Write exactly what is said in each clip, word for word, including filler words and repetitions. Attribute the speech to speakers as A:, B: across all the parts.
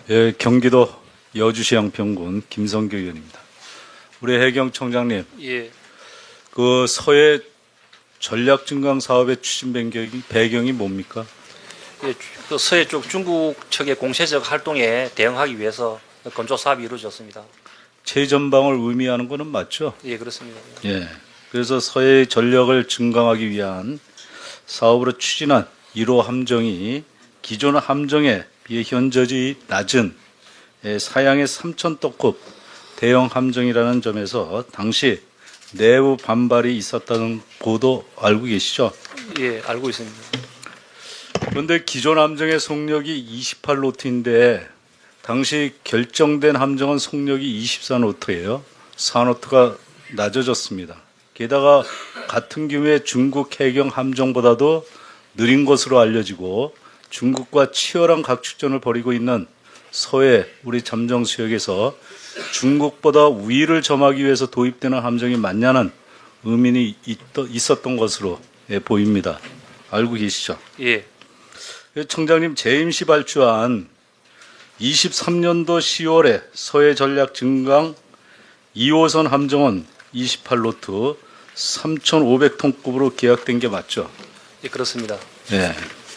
A: 예, 경기도 여주시 양평군 김성교 의원입니다. 우리 해경청장님,
B: 예,
A: 그 서해 전략 증강 사업의 추진 배경이, 배경이 뭡니까?
B: 예, 그 서해 쪽 중국 측의 공세적 활동에 대응하기 위해서 건조 사업이 이루어졌습니다.
A: 최전방을 의미하는 것은 맞죠?
B: 예, 그렇습니다.
A: 예. 그래서 서해의 전력을 증강하기 위한 사업으로 추진한 일 호 함정이 기존 함정에 비해 현저히 낮은 예, 사양의 삼천 톤급 대형 함정이라는 점에서 당시 내부 반발이 있었다는 보도 알고 계시죠?
B: 예, 알고 있습니다.
A: 그런데 기존 함정의 속력이 이십팔 노트인데 당시 결정된 함정은 속력이 이십사 노트예요. 사 노트가 낮아졌습니다. 게다가 같은 규모의 중국 해경 함정보다도 느린 것으로 알려지고 중국과 치열한 각축전을 벌이고 있는 서해 우리 잠정 수역에서 중국보다 우위를 점하기 위해서 도입되는 함정이 맞냐는 의문이 있었던 것으로 보입니다. 알고 계시죠?
B: 예,
A: 청장님 재임 시 발주한 이십삼 년도 시월에 서해 전략 증강 이 호선 함정은 이십팔 노트 삼천오백 톤급으로 계약된 게 맞죠?
B: 예, 그렇습니다.
A: 네.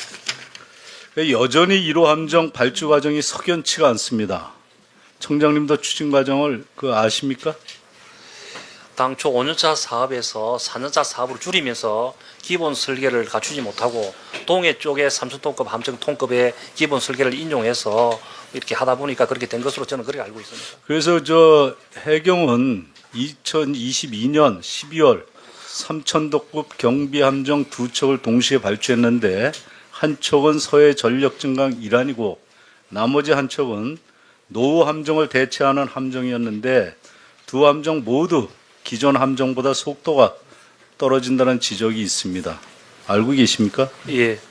A: 여전히 일 호 함정 발주 과정이 석연치가 않습니다. 청장님도 추진 과정을 그 아십니까?
B: 당초 오 년차 사업에서 사 년차 사업으로 줄이면서 기본 설계를 갖추지 못하고 동해 쪽에 삼천 톤급 함정 톤급의 기본 설계를 인용해서 이렇게 하다 보니까 그렇게 된 것으로 저는 그렇게 알고 있습니다.
A: 그래서 저 해경은 이천이십이 년 십이월 삼천 톤급 경비 함정 두 척을 동시에 발주했는데 한 척은 서해 전력 증강 일환이고 나머지 한 척은 노후 함정을 대체하는 함정이었는데 두 함정 모두 기존 함정보다 속도가 떨어진다는 지적이 있습니다. 알고 계십니까?
B: 예,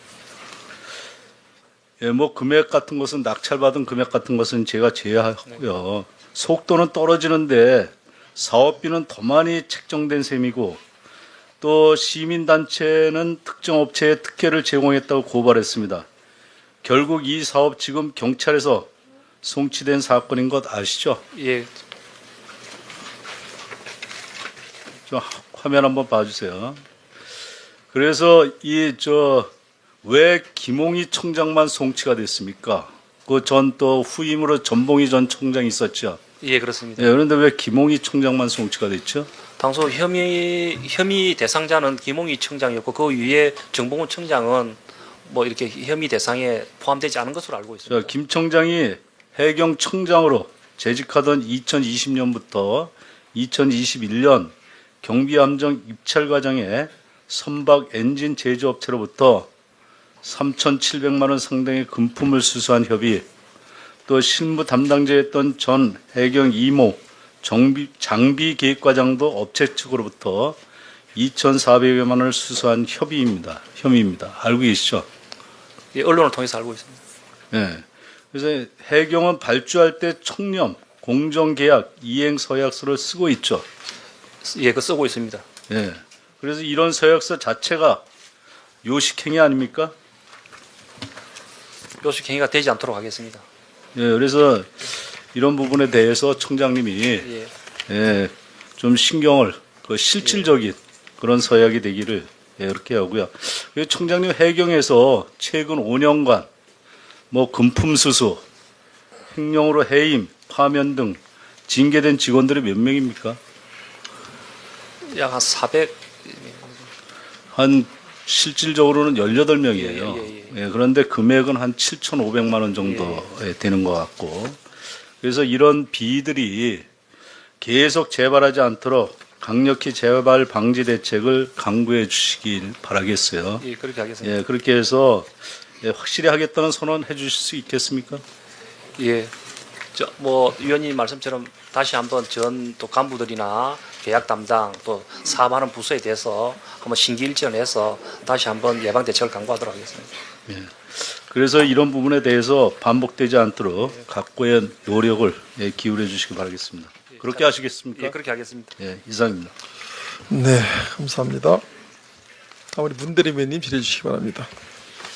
A: 예, 뭐 금액 같은 것은 낙찰받은 금액 같은 것은 제가 제외하고요. 속도는 떨어지는데 사업비는 더 많이 책정된 셈이고 또 시민단체는 특정 업체에 특혜를 제공했다고 고발했습니다. 결국 이 사업 지금 경찰에서 송치된 사건인 것 아시죠?
B: 예,
A: 좀 화면 한번 봐주세요. 그래서 이 저 왜 김홍희 청장만 송치가 됐습니까? 그 전 또 후임으로 전봉희 전 청장이 있었죠.
B: 예, 그렇습니다.
A: 예, 그런데 왜 김홍희 청장만 송치가 됐죠?
B: 당초 혐의 혐의 대상자는 김홍희 청장이었고 그 위에 정봉훈 청장은 뭐 이렇게 혐의 대상에 포함되지 않은 것으로 알고 있습니다.
A: 자, 김 청장이 해경청장으로 재직하던 이천이십 년부터 이천이십일 년 경비함정 입찰 과정에 선박 엔진 제조업체로부터 삼천칠백만 원 상당의 금품을 수수한 협의, 또 실무 담당자였던 전 해경 이모 정비, 장비 계획과장도 업체 측으로부터 이천사백여만 원을 수수한 협의입니다. 혐의입니다. 알고 계시죠?
B: 예, 언론을 통해서 알고 있습니다.
A: 네. 그래서 해경은 발주할 때 청렴, 공정계약, 이행서약서를 쓰고 있죠.
B: 예, 그 쓰고 있습니다.
A: 네. 그래서 이런 서약서 자체가 요식행위 아닙니까?
B: 요식 행위가 되지 않도록 하겠습니다.
A: 예, 그래서 이런 부분에 대해서 청장님이
B: 예,
A: 예, 좀 신경을 그 실질적인 그런 서약이 되기를 예, 이렇게 하고요. 그리고 청장님 해경에서 최근 오 년간 뭐 금품 수수, 횡령으로 해임, 파면 등 징계된 직원들이 몇 명입니까?
B: 약 한 사백.
A: 한 실질적으로는 열여덟 명이에요.
B: 예, 예, 예.
A: 예, 그런데 금액은 한 칠천오백만 원 정도 예, 되는 것 같고, 그래서 이런 비들이 계속 재발하지 않도록 강력히 재발 방지 대책을 강구해 주시길 바라겠어요.
B: 예, 그렇게 하겠습니다.
A: 예, 그렇게 해서 예, 확실히 하겠다는 선언 해주실 수 있겠습니까?
B: 예, 저 뭐 위원님 말씀처럼 다시 한번 전 또 간부들이나 계약 담당 또 사업하는 부서에 대해서 한번 심기일전해서 다시 한번 예방 대책을 강구하도록 하겠습니다.
A: 예. 그래서 이런 부분에 대해서 반복되지 않도록 각고의 노력을 예, 기울여 주시기 바라겠습니다. 그렇게 하시겠습니까?
B: 예, 그렇게 하겠습니다.
A: 예, 이상입니다.
C: 네, 감사합니다. 다음 우리 문대리 의원님 질의해 주시기 바랍니다.